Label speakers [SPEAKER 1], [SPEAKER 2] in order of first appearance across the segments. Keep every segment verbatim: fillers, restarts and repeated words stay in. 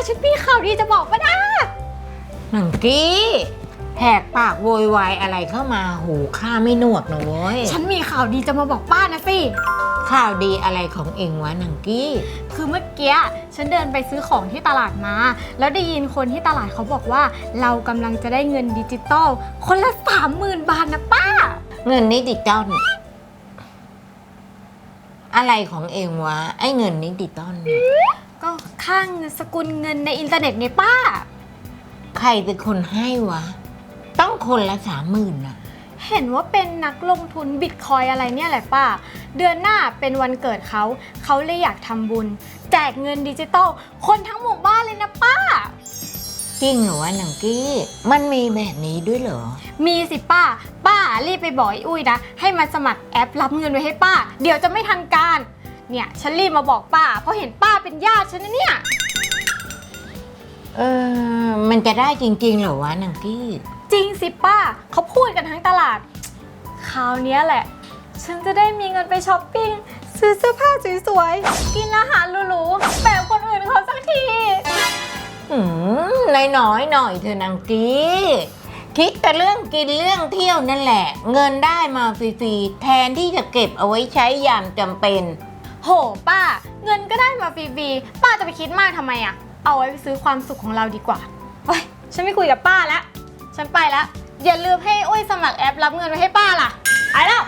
[SPEAKER 1] ฉันมีข่าวดีจะบอกป้าดา
[SPEAKER 2] หนังกี้แหกปากโวยวายอะไรเข้ามาหูข้าไม่หนวกนะเว้ย
[SPEAKER 1] ฉันมีข่าวดีจะมาบอกป้านะสิ
[SPEAKER 2] ข่าวดีอะไรของเองวะหนังกี้
[SPEAKER 1] คือเมื่อกี้ฉันเดินไปซื้อของที่ตลาดมาแล้วได้ยินคนที่ตลาดเขาบอกว่าเรากำลังจะได้เงินดิจิตอลคนละสามหมื่นบาทนะป้า
[SPEAKER 2] เงินดิจิตอลอะไรของเองวะไอ้เงินดิจิตอล
[SPEAKER 1] ก็ค่าเงินสกุลเงินในอินเทอร์เน็ตไงป้า
[SPEAKER 2] ใครเป็นคนให้วะต้องคนละสามหมื่นนะ
[SPEAKER 1] เห็นว่าเป็นนักลงทุนบิตคอยอะไรเนี่ยแหละป้าเดือนหน้าเป็นวันเกิดเขาเขาเลยอยากทำบุญแจกเงินดิจิตอลคนทั้งหมู่บ้านเลยนะป้า
[SPEAKER 2] จริงเหรอวะหนังกี้มันมีแบบนี้ด้วยเหรอ
[SPEAKER 1] มีสิป้าป้ารีบไปบอกไอ้อุ้ยนะให้มาสมัครแอปรับเงินไว้ให้ป้าเดี๋ยวจะไม่ทันการเนี่ยฉันรีบมาบอกป้าเพราะเห็นป้าเป็นญาติฉันนะเนี่ย
[SPEAKER 2] เออมันจะได้จริงๆเหรอวะหนังกี้
[SPEAKER 1] จริงสิป้าเขาพูดกันทั้งตลาดคราวนี้แหละฉันจะได้มีเงินไปช้อปปิ้งซื้อเสื้อผ้าสวยๆกินอาหารหรูๆแบบคนอื่นเขาสักที
[SPEAKER 2] อืมน้อยๆหน่อยเธอนางกี้คิดแต่เรื่องกินเรื่องเที่ยวนั่นแหละเงินได้มาฟรีๆแทนที่จะเก็บเอาไว้ใช้ยามจำเป็น
[SPEAKER 1] โหป้าเงินก็ได้มาฟรีๆป้าจะไปคิดมากทำไมอะเอาไว้ไปซื้อความสุขของเราดีกว่าเฮ้ยฉันไม่คุยกับป้าแล้วฉันไปแล้วอย่าลืมให้อุ้ยสมัครแอปรับเงินไว้ให้ป้าล่ะไปแล้ว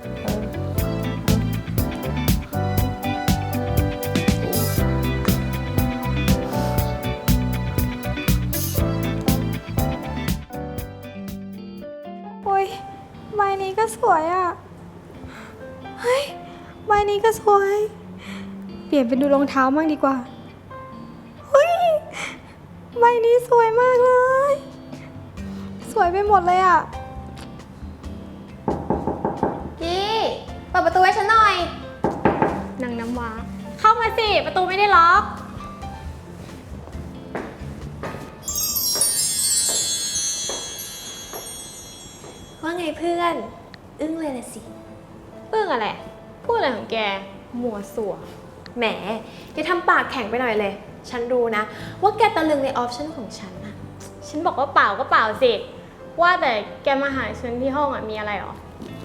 [SPEAKER 1] โอ้ยใบนี้ก็สวยอ่ะเฮ้ยใบนี้ก็สวยเปลี่ยนเป็นดูรองเท้ามั่งดีกว่าเฮ้ยใบนี้สวยมากเลยสวยไปหมดเลยอ่ะกี้เปิดประตูให้ฉันหน่อยนางน้ำว้าเข้ามาสิประตูไม่ได้ล็อกว่าไงเพื่อนอึ้งเลยละสิอึ้งอะไรพูดอะไรของแกมัวสัว
[SPEAKER 3] แหมอย่าทำปากแข็งไปหน่อยเลยฉันรู้นะว่าแกตะลึงในออปชั่นของฉันนะ
[SPEAKER 1] ฉันบอกว่าเปล่าก็เปล่าสิว่าแต่แกมาหาฉันที่ห้องอ่ะมีอะไรหรอ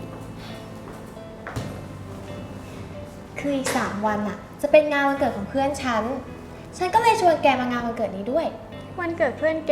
[SPEAKER 3] คืออีกสามวันอ่ะจะเป็นงานวันเกิดของเพื่อนฉันฉันก็เลยชวนแกมางานวันเกิดนี้ด้วย
[SPEAKER 1] วันเกิดเพื่อนแก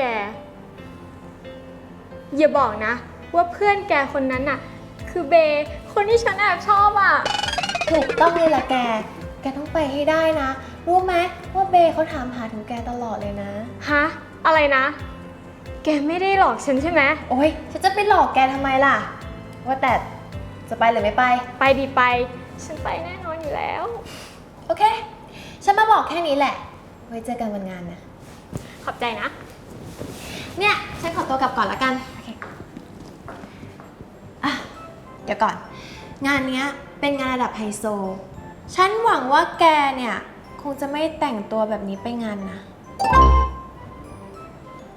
[SPEAKER 1] อย่าบอกนะว่าเพื่อนแกคนนั้นน่ะคือเบย์คนที่ฉันแอบชอบอ่ะ
[SPEAKER 3] ถูกต้องเลยล่ะแกแกต้องไปให้ได้นะรู้ไหมว่าเบย์เขาถามหาถึงแกตลอดเลยนะ
[SPEAKER 1] ฮะอะไรนะแกไม่ได้หลอกฉันใช่ไหม
[SPEAKER 3] โอ๊ยฉันจะไปหลอกแกทำไมล่ะว่าแต่จะไปหรือไม่ไป
[SPEAKER 1] ไปดีไปฉันไปแน่นอนอยู่แล้ว
[SPEAKER 3] โอเคฉันมาบอกแค่นี้แหละไว้เจอกันวันงานนะ
[SPEAKER 1] ขอบใจนะ
[SPEAKER 3] เนี่ยฉันขอตัวกลับก่อนละกันโอเคอ่ะเดี๋ยวก่อนงานนี้เป็นงานระดับไฮโซฉันหวังว่าแกเนี่ยคงจะไม่แต่งตัวแบบนี้ไปงานนะไป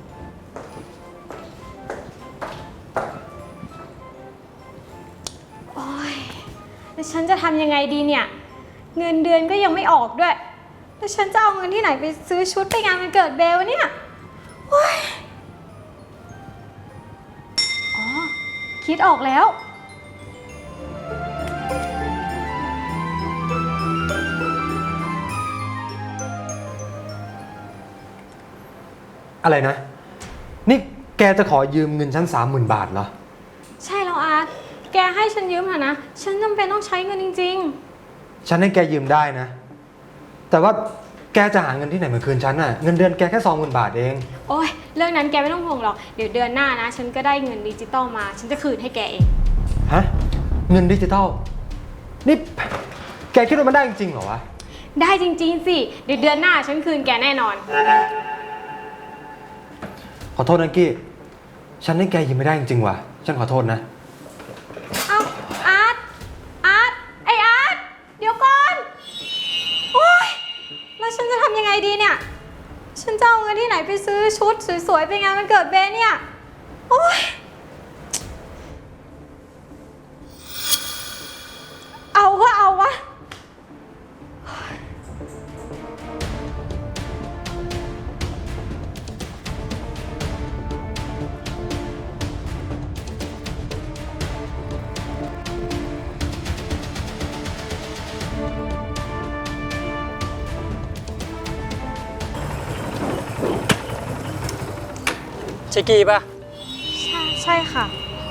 [SPEAKER 1] โอ๊ยแล้วฉันจะทำยังไงดีเนี่ยเงินเดือนก็ยังไม่ออกด้วยแล้วฉันจะเอาเงินที่ไหนไปซื้อชุดไปงานวันเกิดเบลเนี่ยโอ๊ยอ๋อคิดออกแล้ว
[SPEAKER 4] อะไรนะนี่แกจะขอยืมเงินฉันสามหมื่นบาทเหรอ
[SPEAKER 1] ใช่แล้วอาร์ตแกให้ฉันยืมเถอะนะฉันจำเป็นต้องใช้เงินจริง
[SPEAKER 4] ๆฉันให้แกยืมได้นะแต่ว่าแกจะหาเงินที่ไหนมาคืนฉันน่ะเงินเดือนแกแค่สองหมื่นบาทเอง
[SPEAKER 1] โอ๊ยเรื่องนั้นแกไม่ต้องห่วงหรอกเดี๋ยวเดือนหน้านะฉันก็ได้เงินดิจิตอลมาฉันจะคืนให้แกเอง
[SPEAKER 4] ฮะเงินดิจิตอลนี่แกคิดว่ามันได้จริงๆเหรอวะ
[SPEAKER 1] ได้จริงๆสิเดี๋ยวเดือนหน้าฉันคืนแกแน่นอน
[SPEAKER 4] ขอโทษนะกี้ฉันให้แกยืมไม่ได้จริงๆว่ะฉันขอโทษนะ
[SPEAKER 1] เอ้าอาร์ตอาร์ตไออาร์ตเดี๋ยวก่อนโอ๊ยแล้วฉันจะทำยังไงดีเนี่ยฉันจะเอาเงินที่ไหนไปซื้อชุดสวยๆไปงานวันเกิดเบนเนี่ยโอ๊ยเอาก็เอาวะ
[SPEAKER 5] ช่กีป่ะ
[SPEAKER 1] ใช่ใช่ค่ะ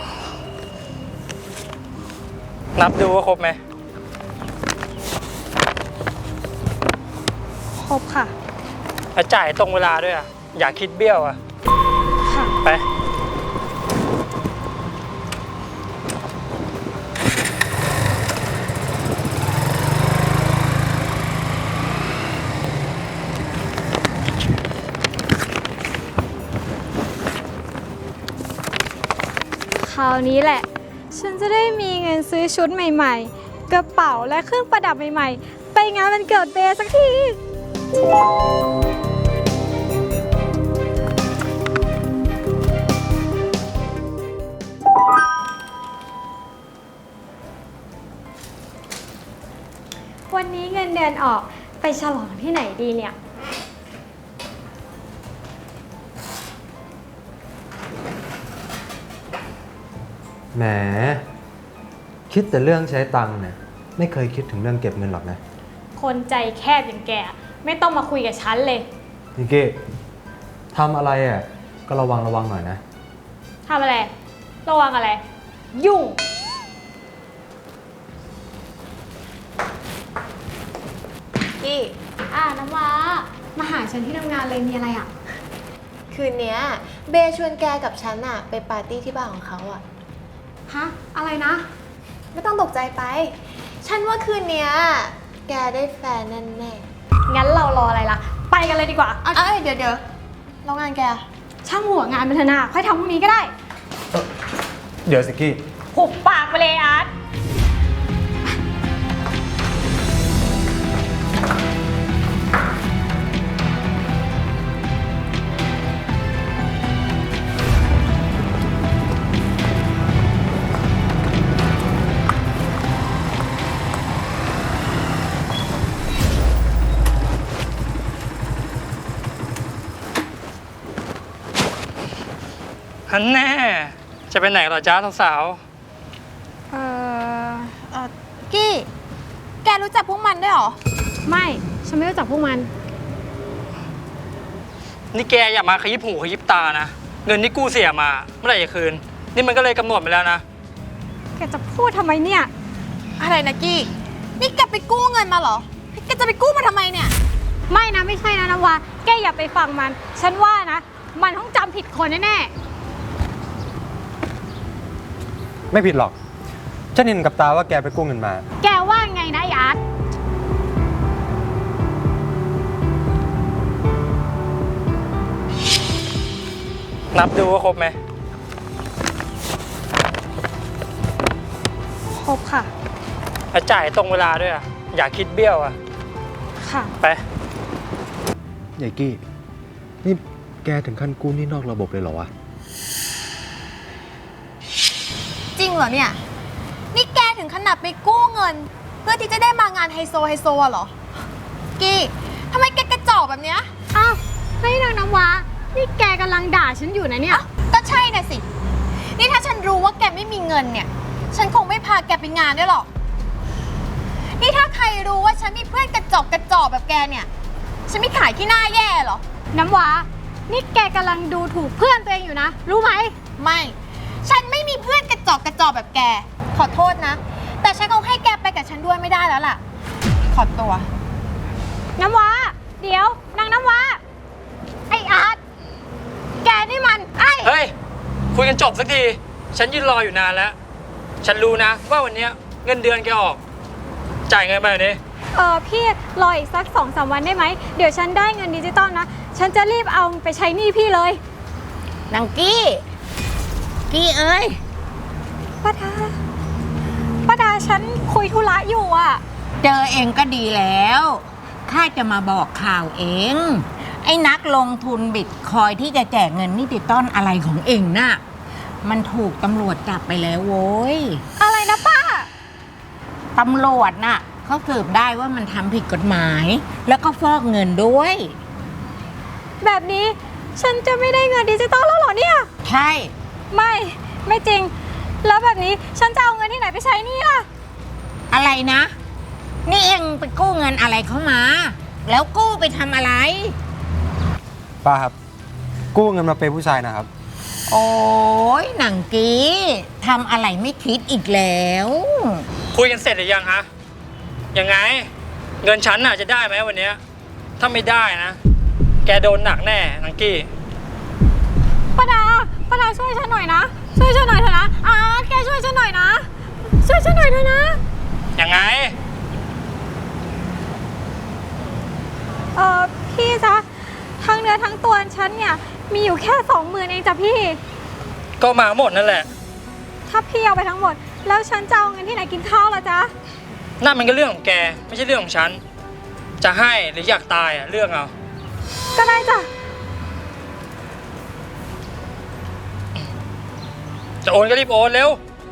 [SPEAKER 5] นับดูว่าครบไหม
[SPEAKER 1] ครบค่ะ
[SPEAKER 5] แล้วจ่ายตรงเวลาด้วยอ่ะ อย่าคิดเบี้ยวอ่ะ
[SPEAKER 1] ค่ะ
[SPEAKER 5] ไป
[SPEAKER 1] คราวนี้แหละ ฉันจะได้มีเงินซื้อชุดใหม่ๆ กระเป๋าและเครื่องประดับใหม่ๆ ไปงานวันเกิดเบย์สักที วันนี้เงินเดือนออกไปฉลองที่ไหนดีเนี่ย
[SPEAKER 4] แหม คิดแต่เรื่องใช้ตังค์เนี่ยไม่เคยคิดถึงเรื่องเก็บเงินหรอกนะ
[SPEAKER 1] คนใจแคบอย่างแกไม่ต้องมาคุยกับฉันเลย
[SPEAKER 4] นิกกี้ทำอะไรอ่ะก็ระวังระวังหน่อยนะ
[SPEAKER 1] ทำอะไร ระวังอะไร ยุ่ง
[SPEAKER 3] กี้
[SPEAKER 1] อ่าน้ำว้ามาหาฉันที่ทำงานเลยมีอะไรอ่ะ
[SPEAKER 3] คืนเนี้ยเบย์ชวนแกกับฉันอะไปปาร์ตี้ที่บ้านของเขาอะ
[SPEAKER 1] ฮะ อะไรนะ
[SPEAKER 3] ไม่ต้องตกใจไป ฉันว่าคืนเนี้ยแกได้แฟนแน่แน่
[SPEAKER 1] งั้นเรารออะไรล่ะ ไปกันเลยดีกว่า
[SPEAKER 3] ๆเอ้ยเดี๋ยวเดี๋ยวแล้วงานแกอะ
[SPEAKER 1] ช่างหัวงานมันเถอะนาค่อยทำพรุ่งนี้ก็ได้
[SPEAKER 4] เดี๋ยวสิกกี้
[SPEAKER 1] หุบปากไปเลยอาร์ต
[SPEAKER 5] ฮันแน่ จะไปไหนเหรอจ้าสาว
[SPEAKER 1] เอ่อ
[SPEAKER 3] เออกี้ แกรู้จักพวกมันด้วยเหรอ
[SPEAKER 1] ไม่ ฉันไม่รู้จักพวกมัน
[SPEAKER 5] ๆนี่แกอย่ามาขยิบหูขยิบตานะ เงินที่กู้เสียมาเมื่อไหร่จะคืน นี่มันก็เลยกำหนดไปแล้วนะ
[SPEAKER 1] แกจะพูดทำไมเนี่ย
[SPEAKER 3] อะไรนะกี้ นี่แกไปกู้เงินมาเหรอ แกจะไปกู้มาทำไมเนี่ย
[SPEAKER 1] ไม่นะไม่ใช่นะน้ำว้าแกอย่าไปฟังมัน ฉันว่านะ มันต้องจำผิดคนแน่
[SPEAKER 4] ไม่ผิดหรอกฉันเห็นกับตาว่าแกไปกู้เงินมา
[SPEAKER 1] ๆ แกว่าไงนะไอ้อาร์ต
[SPEAKER 5] นับดูว่าครบไหม
[SPEAKER 1] ครบค่ะ
[SPEAKER 5] แล้วจ่ายตรงเวลาด้วยอ่ะ อย่าคิดเบี้ยวอ่ะ
[SPEAKER 1] ค่ะ
[SPEAKER 5] ไป
[SPEAKER 4] ยายกี้ นี่แกถึงขั้นกู้หนี่นอกระบบเลยเหรอวะ
[SPEAKER 3] จริงเหรอเนี่ย นี่แกถึงขนาดไปกู้เงิน เพื่อที่จะได้มางานไฮโซไฮโซอะเหรอ กี้ทำไมแกกระจอกแบบเนี้ย
[SPEAKER 1] อ้าวเฮ้ยนางน้ำว้านี่แกกำลังด่าฉันอยู่นะเนี่ย
[SPEAKER 3] ก็ใช่น่ะสิ นี่ถ้าฉันรู้ว่าแกไม่มีเงินเนี่ย ฉันคงไม่พาแกไปงานด้วยหรอก นี่ถ้าใครรู้ว่าฉันมีเพื่อนกระจอกกระจอกแบบแกเนี่ย ฉันไม่ขายขี้หน้าแย่เหรอ
[SPEAKER 1] น้ำว้านี่แกกำลังดูถูกเพื่อนตัวเองอยู่นะ รู้ไหม
[SPEAKER 3] ไม่ ฉันไม่มีเพื่อนกระจอกกระจอกแบบแก ขอโทษนะ แต่ฉันคงให้แกไปกับฉันด้วยไม่ได้แล้วล่ะ ขอตัว
[SPEAKER 1] น้ำว้าเดี๋ยวนางน้ำว้าไออาร์ตแกนี่มันไอ้
[SPEAKER 5] เฮ้ย คุยกันจบสักที ฉันยืนรออยู่นานแล้ว ฉันรู้นะว่าวันเนี้ยเงินเดือนแกออก จ่ายเงินมาเดี๋ยวนี้
[SPEAKER 1] เออพี่รออีกสักสองสามวันได้ไหม เดี๋ยวฉันได้เงินดิจิตอลนะ ฉันจะรีบเอาไปใช้หนี้พี่เลย
[SPEAKER 2] นางกี้ กี้เอ้ย
[SPEAKER 1] ป้าดาป้าดาฉันคุยธุระอยู่อ่ะ
[SPEAKER 2] เจอเองก็ดีแล้วข้าจะมาบอกข่าวเอง ไอ้นักลงทุนบิตคอยที่จะแจกเงินนิติต้อนอะไรของเองน่ะ มันถูกตำรวจจับไปแล้วโว้ย
[SPEAKER 1] อะไรนะป้า
[SPEAKER 2] ตำรวจน่ะเขาสืบได้ว่ามันทำผิดกฎหมาย แล้วก็ฟอกเงินด้วย
[SPEAKER 1] แบบนี้ฉันจะไม่ได้เงินดิจิตอลแล้วเหรอเนี่ย
[SPEAKER 2] ใช่
[SPEAKER 1] ไม่ ไม่จริง แล้วแบบนี้ฉันจะเอาเงินที่ไหนไปใช้หนี่ล่ะ
[SPEAKER 2] อะไรนะ นี่เองไปกู้เงินอะไรเข้ามา แล้วกู้ไปทำอะไร
[SPEAKER 4] ป้าครับ กู้เงินมาเปย์ผู้ชายนะครับ
[SPEAKER 2] โอ้ยหนังกี้ทำอะไรไม่คิดอีกแล้ว
[SPEAKER 5] คุยกันเสร็จหรือยังฮะ ยังไง เงินฉันน่ะจะได้ไหมวันเนี้ยถ้าไม่ได้นะ แกโดนหนักแน่นังกี้
[SPEAKER 3] ป้าดาป้าดาช่วยฉันหน่อยนะ ช่วยฉันหน่อยเถอะนะอาร์ตแกช่วยฉันหน่อยนะ ช่วยฉันหน่อยเถอะนะ
[SPEAKER 5] ยังไง
[SPEAKER 1] เออพี่จ๊ะทั้งเนื้อทั้งตัวฉันเนี่ยมีอยู่แค่สองหมื่นเองจ้ะพี่
[SPEAKER 5] ก็มาหมดนั่นแหละ
[SPEAKER 1] ถ้าพี่เอาไปทั้งหมด แล้วฉันจะเอาเงินที่ไหนกินข้าวล่ะจ๊ะ
[SPEAKER 5] นั่นมันก็เรื่องของแก ไม่ใช่เรื่องของฉัน จะให้หรืออยากตายอ่ะเรื่องเอา
[SPEAKER 1] ก็ได้จ้ะ
[SPEAKER 5] จะโอนก็รีบโอนเร็ว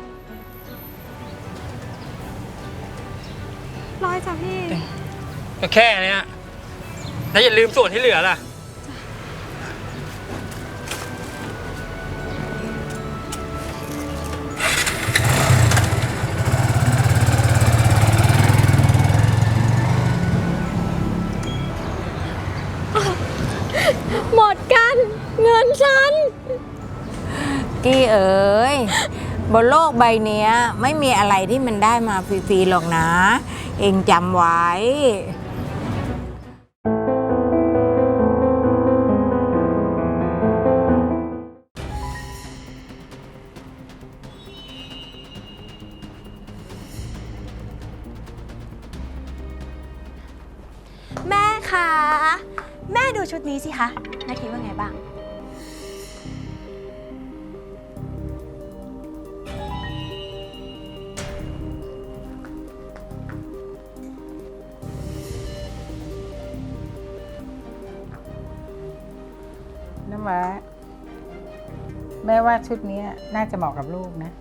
[SPEAKER 1] ร้อยจ้ะพี่
[SPEAKER 5] ก็แค่เนี้ยแล้วอย่าลืมส่วนที่เหลือล่ะ
[SPEAKER 3] หมดกัน เงินฉัน
[SPEAKER 2] กี้เอ๋ยบนโลกใบเนี้ยไม่มีอะไรที่มันได้มาฟรีๆหรอกนะ เองจำไว้
[SPEAKER 3] แม่คะ แม่ดูชุดนี้สิคะแม่คิดว่าไงบ้าง
[SPEAKER 6] น้ำว้าแม่ว่าชุดนี้น่าจะเหมาะกับลูกนะ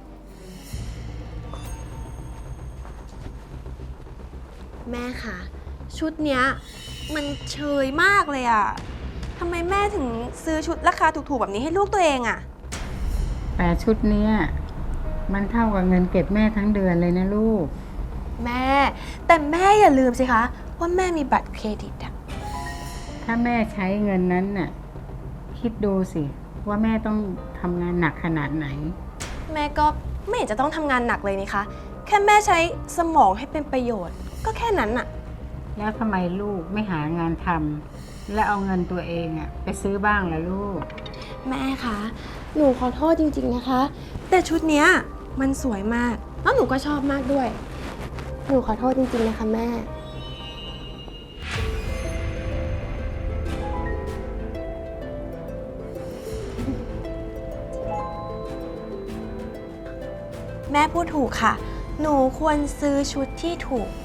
[SPEAKER 7] แม่คะชุดเนี้ยมันเชยมากเลยอะทำไมแม่ถึงซื้อชุดราคาถูกๆแบบนี้ให้ลูกตัวเองอะ
[SPEAKER 6] แต่ชุดเนี้ยมันเท่ากับเงินเก็บแม่ทั้งเดือนเลยนะลูก
[SPEAKER 7] แม่ แต่แม่อย่าลืมสิคะว่าแม่มีบัตรเครดิตอะ
[SPEAKER 6] ถ้าแม่ใช้เงินนั้นน่ะคิดดูสิว่าแม่ต้องทำงานหนักขนาดไหน
[SPEAKER 7] แม่ก็ไม่เห็นจะต้องทำงานหนักเลยนี่คะแค่แม่ใช้สมองให้เป็นประโยชน์ ก็แค่นั้นอะ
[SPEAKER 6] แล้วทำไมลูกไม่หางานทำและเอาเงินตัวเองอะไปซื้อบ้างล่ะลูก
[SPEAKER 7] แม่คะหนูขอโทษจริงๆนะคะ แต่ชุดเนี้ยมันสวยมากแล้วหนูก็ชอบมากด้วย หนูขอโทษจริงๆนะคะแม่ แม่พูดถูกค่ะ หนูควรซื้อชุดที่ถูก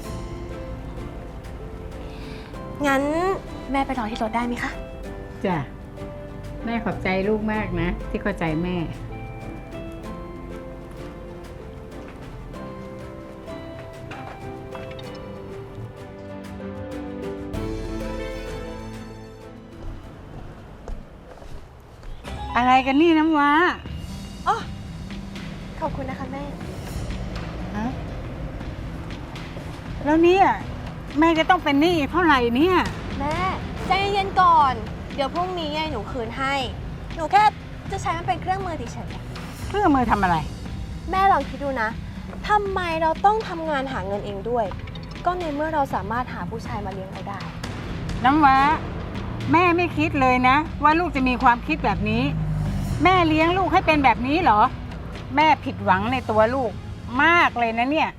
[SPEAKER 7] งั้นแม่ไปรอที่รถได้ไหมคะ
[SPEAKER 6] จ้ะ แม่ขอบใจลูกมากนะ ที่เข้าใจแม่ อะไรกันนี่น้ำว้า
[SPEAKER 7] ขอบคุณนะคะแม่
[SPEAKER 6] ฮะแล้วเนี่ยแม่จะต้องเป็นหนี้อีกเท่าไหร่เนี่ย
[SPEAKER 7] แม่ใจเย็นๆก่อน เดี๋ยวพรุ่งนี้หนูคืนให้ หนูแค่จะใช้มันเป็นเครื่องมือเฉย
[SPEAKER 6] เครื่องมือทำอะไร
[SPEAKER 7] ๆแม่ลองคิดดูนะทำไมเราต้องทำงานหาเงินเองด้วย ก็ในเมื่อเราสามารถหาผู้ชายมาเลี้ยงเราได้
[SPEAKER 6] น้ำว้าแม่ไม่คิดเลยนะ ว่าลูกจะมีความคิดแบบนี้ แม่เลี้ยงลูกให้เป็นแบบนี้เหรอ แม่ผิดหวังในตัวลูกมากเลยนะเนี่ย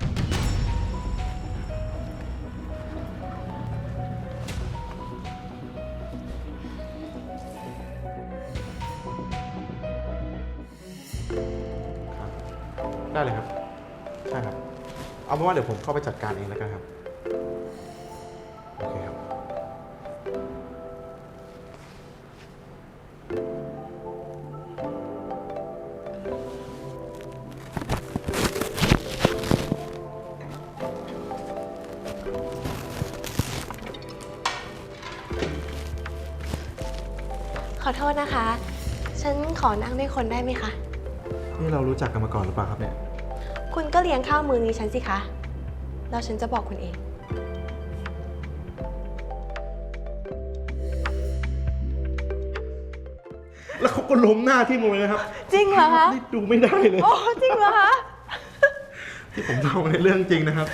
[SPEAKER 8] ได้เลยครับ ใช่ครับ เอาเป็นว่าเดี๋ยวผมเข้าไปจัดการเองแล้วกันครับ โอเคครับ
[SPEAKER 7] ขอโทษนะคะ ฉันขอนั่งด้วยคนได้ไหมคะ
[SPEAKER 8] นี่เรารู้จักกันมาก่อนหรือเปล่าครับเนี่ย
[SPEAKER 7] คุณก็เลี้ยงข้าวมือนี้ฉันสิคะ แล้วฉันจะบอกคุณเอง
[SPEAKER 8] นแล้วเขาก็ล้มหน้าที่มลงเลยนะครับ
[SPEAKER 7] จริงเหรอคะ
[SPEAKER 8] นี่ดูไม่ได้เลย
[SPEAKER 7] โอ้จริงเหรอคะ
[SPEAKER 8] ที่ผมเล่าในเรื่องจริงนะครับ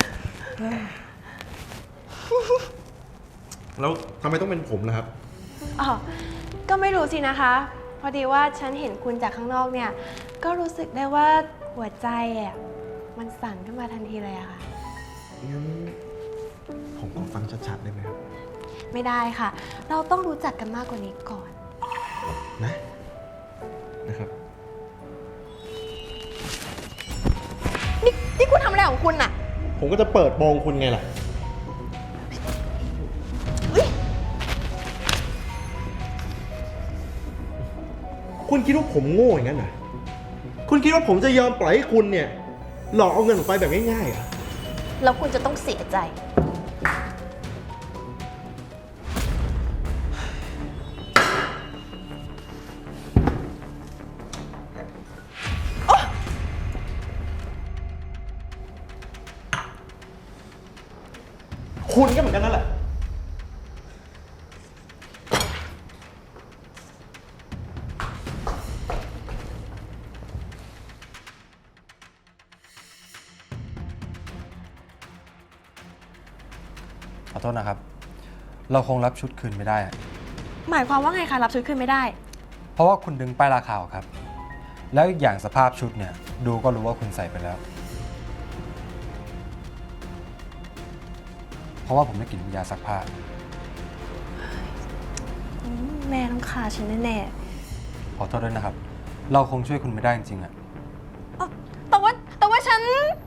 [SPEAKER 8] แล้วทำไมต้องเป็นผมล่ะครับ
[SPEAKER 7] อ๋อ ก็ไม่รู้สินะคะ พอดีว่าฉันเห็นคุณจากข้างนอกเนี่ย ก็รู้สึกได้ว่าหัวใจอ่ะมันสั่นขึ้นมาทันทีเลยอะค่ะ
[SPEAKER 8] งั้นผมก็ฟังชัดๆได้ไหมครับ
[SPEAKER 7] ไม่ได้ค่ะ เราต้องรู้จักกันมากกว่านี้ก่อน
[SPEAKER 8] นะ นะครับ
[SPEAKER 7] นี่นี่คุณทำอะไรของคุณอะ
[SPEAKER 8] ผมก็จะเปิดโปงคุณไงล่ะ คุณคิดว่าผมโง่อย่างนั้นเหรอ คุณคิดว่าผมจะยอมปล่อยให้คุณเนี่ย หลอกเอาเงินผมไปแบบง่ายๆเหรอ
[SPEAKER 7] แล้วคุณจะต้องเสียใจ
[SPEAKER 8] คุณก็เหมือนกันนั่นแหละ
[SPEAKER 4] ขอโทษนะครับ เราคงรับชุดคืนไม่ได้อะ
[SPEAKER 7] หมายความว่าไงคะรับชุดคืนไม่ได้
[SPEAKER 4] เพราะว่าคุณดึงป้ายราคาออกครับ แล้วอีกอย่างสภาพชุดเนี่ย ดูก็รู้ว่าคุณใส่ไปแล้ว เพราะว่าผมได้กลิ่นยาซักผ้า
[SPEAKER 7] แม่ต้องฆ่าฉันแน่
[SPEAKER 4] ขอโทษด้วยนะครับ เราคงช่วยคุณไม่ได้จริงๆอะ
[SPEAKER 7] ๆแต่ว่าแต่ว่าฉัน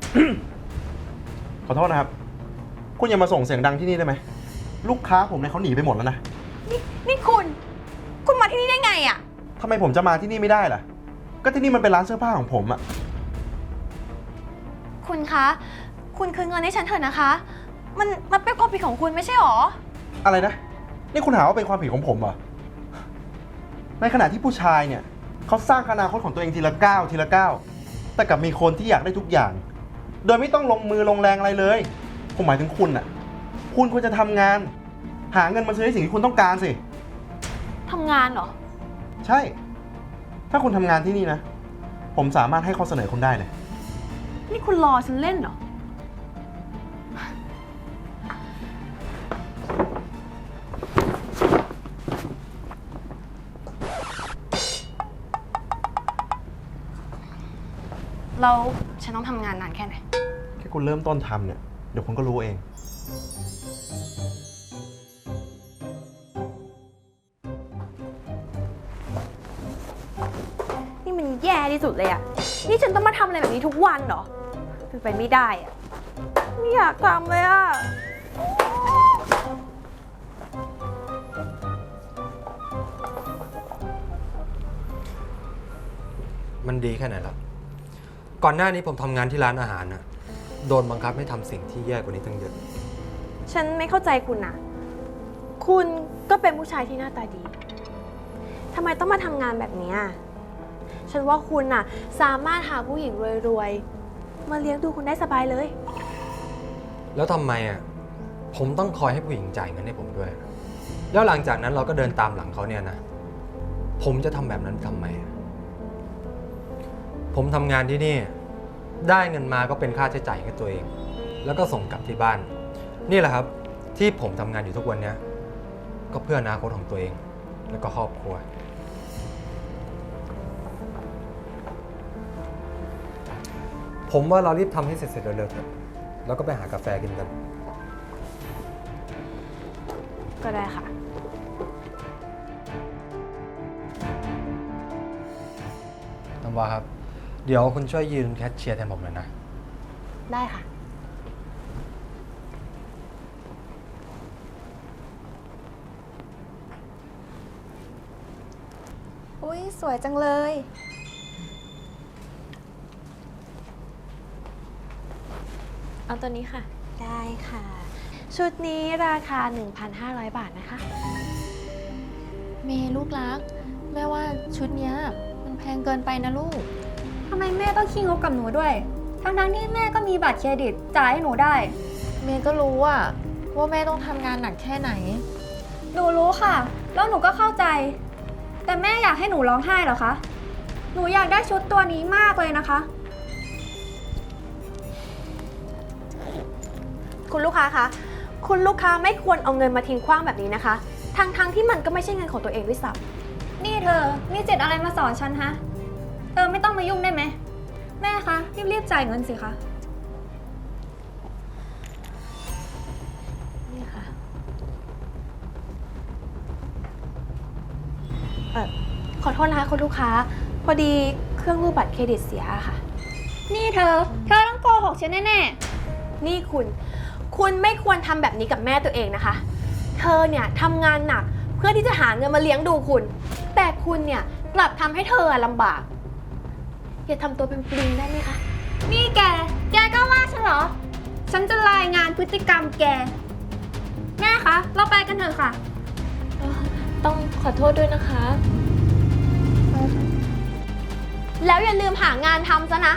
[SPEAKER 8] ขอโทษนะครับ คุณอย่ามาส่งเสียงดังที่นี่ได้ไหม ลูกค้าผมเนี่ยเขาหนีไปหมดแล้วนะ
[SPEAKER 7] นี่นี่คุณ คุณมาที่นี่ได้ไงอะ
[SPEAKER 8] ทำไมผมจะมาที่นี่ไม่ได้ล่ะ ก็ที่นี่มันเป็นร้านเสื้อผ้าของผมอะ
[SPEAKER 7] คุณคะ คุณคืนเงินให้ฉันเถอะนะคะ มันมันเป็นความผิดของคุณไม่ใช่หรอ
[SPEAKER 8] อะไรนะ นี่คุณหาว่าเป็นความผิดของผมเหรอ ในขณะที่ผู้ชายเนี่ยเขาสร้างอนาคตของตัวเองทีละก้าวทีละก้าว แต่กลับมีคนที่อยากได้ทุกอย่าง โดยไม่ต้องลงมือลงแรงอะไรเลย ผมหมายถึงคุณน่ะ คุณควรจะทำงาน หาเงินมาซื้อในสิ่งที่คุณต้องการสิ
[SPEAKER 7] ทำงานเหรอ
[SPEAKER 8] ใช่ ถ้าคุณทำงานที่นี่นะ ผมสามารถให้ข้อเสนอคุณได้เลย
[SPEAKER 7] นี่คุณรอฉันเล่นเหรอ เราฉันต้องทำงานนานแค่ไหน
[SPEAKER 8] แค่คุณเริ่มต้นทำเนี่ย เดี๋ยวคุณก็รู้เอง
[SPEAKER 7] นี่มันแย่ที่สุดเลยอะนี่ฉันต้องมาทำอะไรแบบนี้ทุกวันเหรอเป็นไปไม่ได้อะไม่อยากทำเลยอะ
[SPEAKER 4] มันดีแค่ไหนล่ะ ก่อนหน้านี้ผมทำงานที่ร้านอาหารน่ะ โดนบังคับให้ทำสิ่งที่แย่กว่านี้ตั้งเยอะ
[SPEAKER 7] ฉันไม่เข้าใจคุณนะคุณก็เป็นผู้ชายที่หน้าตาดีทำไมต้องมาทำงานแบบนี้อะฉันว่าคุณน่ะสามารถหาผู้หญิงรวยๆมาเลี้ยงดูคุณได้สบายเลย
[SPEAKER 4] แล้วทำไมอ่ะ ผมต้องคอยให้ผู้หญิงจ่ายเงินให้ผมด้วย แล้วหลังจากนั้นเราก็เดินตามหลังเขาเนี่ยนะ ผมจะทำแบบนั้นทำไมอะผมทำงานที่นี่ ได้เงินมาก็เป็นค่าใช้จ่ายให้ตัวเอง แล้วก็ส่งกลับที่บ้าน นี่แหละครับ ที่ผมทำงานอยู่ทุกวันนี้ก็เพื่ออนาคตของตัวเอง แล้วก็ครอบครัว ผมว่าเรารีบทำให้เสร็จๆเร็วๆเถอะแล้วก็ไปหากาแฟกินกัน
[SPEAKER 7] ก็ได้ค่ะ
[SPEAKER 4] น้ำว้าครับ เดี๋ยวคุณช่วยยืนแคชเชียร์แทนผมหน่อยนะ
[SPEAKER 7] ได้ค่ะ
[SPEAKER 1] อุ้ยสวยจังเลย
[SPEAKER 7] เอาตัวนี้ค่ะ ได้ค่ะ ชุดนี้ราคา หนึ่งพันห้าร้อย บาทนะคะ
[SPEAKER 3] เมย์ลูกรัก แม่ว่าชุดเนี้ยมันแพงเกินไปนะลูก
[SPEAKER 1] ทำไมแม่ต้องขี้งกกับหนูด้วย ทั้งๆที่แม่ก็มีบัตรเครดิตจ่ายให้หนูได้
[SPEAKER 3] เมย์ก็รู้อะว่าแม่ต้องทำงานหนักแค่ไหน
[SPEAKER 1] หนูรู้ค่ะ แล้วหนูก็เข้าใจแต่แม่อยากให้หนูร้องไห้เหรอคะ หนูอยากได้ชุดตัวนี้มากเลยนะคะ
[SPEAKER 7] คุณลูกค้าคะ คุณลูกค้าไม่ควรเอาเงินมาทิ้งขว้างแบบนี้นะคะ ทั้งๆทที่มันก็ไม่ใช่เงินของตัวเองด้วยซ้
[SPEAKER 1] นี่เธอ มีจิตอะไรมาสอนฉันฮะ เออไม่ต้องมายุ่งได้ไหม แม่คะรีบๆจ่ายเงินสิคะ
[SPEAKER 7] ำนี่ค่ะ เออขอโทษนะคะคุณลูกค้า พอดีเครื่องรูดบัตรเครดิตเสียค่ะ
[SPEAKER 1] นี่เธอ เธอต้องโกหกฉันแน่
[SPEAKER 7] นี่คุณ คุณไม่ควรทำแบบนี้กับแม่ตัวเองนะคะ เธอเนี่ยทำงานหนักเพื่อที่จะหาเงินมาเลี้ยงดูคุณ แต่คุณเนี่ยกลับทำให้เธอลำบาก อย่าทำตัวเป็นปลิงได้ไหมคะ
[SPEAKER 1] ๆ นี่แก แกก็ว่าฉันเหรอ ฉันจะรายงานพฤติกรรมแก แม่คะ เราไปกันเถอะค่ะ
[SPEAKER 7] ต้องขอโทษด้วยนะคะ แล้วอย่าลืมหางานทำซะนะ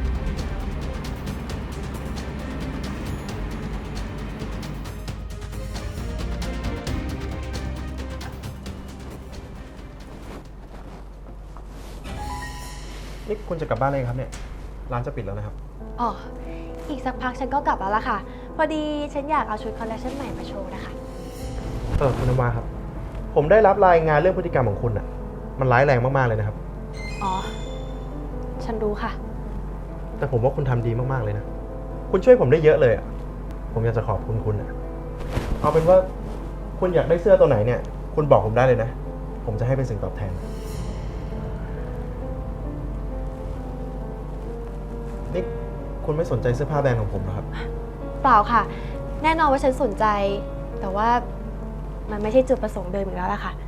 [SPEAKER 8] นี่คุณจะกลับบ้านเลยครับเนี่ย ร้านจะปิดแล้วนะครับ
[SPEAKER 7] อ๋อ อีกสักพักฉันก็กลับแล้วล่ะค่ะ พอดีฉันอยากเอาชุดคอลเลคชันใหม่มาโชว์นะคะ
[SPEAKER 8] เออคุณนวาครับ ผมได้รับรายงานเรื่องพฤติกรรมของคุณอ่ะ มันร้ายแรงมากๆเลยนะครับ
[SPEAKER 7] อ๋อ ฉันรู้ค่ะ
[SPEAKER 8] แต่ผมว่าคุณทำดีมากๆเลยนะ คุณช่วยผมได้เยอะเลยอ่ะ ผมอยากจะขอบคุณคุณอ่ะ เอาเป็นว่าคุณอยากได้เสื้อตัวไหนเนี่ย คุณบอกผมได้เลยนะ ผมจะให้เป็นสิ่งตอบแทน นี่คุณไม่สนใจเสื้อผ้าแบรนด์ของผมเหรอครับ
[SPEAKER 7] เปล่าค่ะ แน่นอนว่าฉันสนใจ แต่ว่ามันไม่ใช่จุดประสงค์เดิมอีกแล้วล่ะค่ะ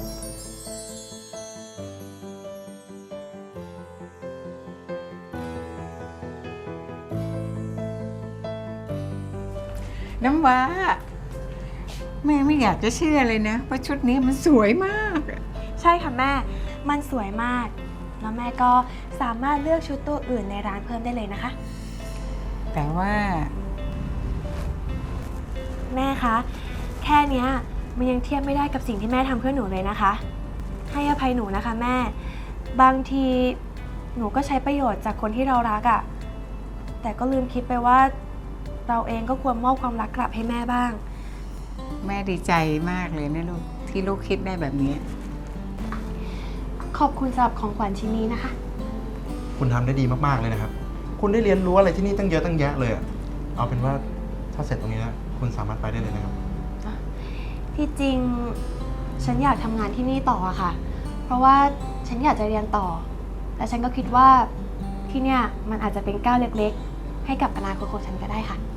[SPEAKER 6] น้ำว้า แม่ไม่อยากจะเชื่อเลยนะว่าชุดนี้มันสวยมากอะ
[SPEAKER 7] ใช่ค่ะแม่ มันสวยมาก แล้วแม่ก็สามารถเลือกชุดตัวอื่นในร้านเพิ่มได้เลยนะคะ
[SPEAKER 6] แต่ว่า
[SPEAKER 7] แม่คะ แค่เนี้ยมันยังเทียบไม่ได้กับสิ่งที่แม่ทำเพื่อหนูเลยนะคะ ให้อภัยหนูนะคะแม่ บางทีหนูก็ใช้ประโยชน์จากคนที่เรารักอะ่ะ แต่ก็ลืมคิดไปว่าเราเองก็ควรมอบความรักกลับให้แม่บ้าง
[SPEAKER 6] แม่ดีใจมากเลยนะลูกที่ลูกคิดได้แบบนี้
[SPEAKER 7] ขอบคุณสำหรับของขวัญชิ้นนี้นะคะ
[SPEAKER 8] คุณทำได้ดีมากๆเลยนะครับ คุณได้เรียนรู้อะไรที่นี่ตั้งเยอะตั้งแยะเลยอะเอาเป็นว่าถ้าเสร็จตรงนี้แล้วคุณสามารถไปได้เลยนะครับ
[SPEAKER 7] ที่จริงฉันอยากทำงานที่นี่ต่ออะค่ะ เพราะว่าฉันอยากจะเรียนต่อ แต่ฉันก็คิดว่าที่เนี่ยมันอาจจะเป็นก้าวเล็กๆ ให้กับอนาคตของฉันก็ได้ค่ะ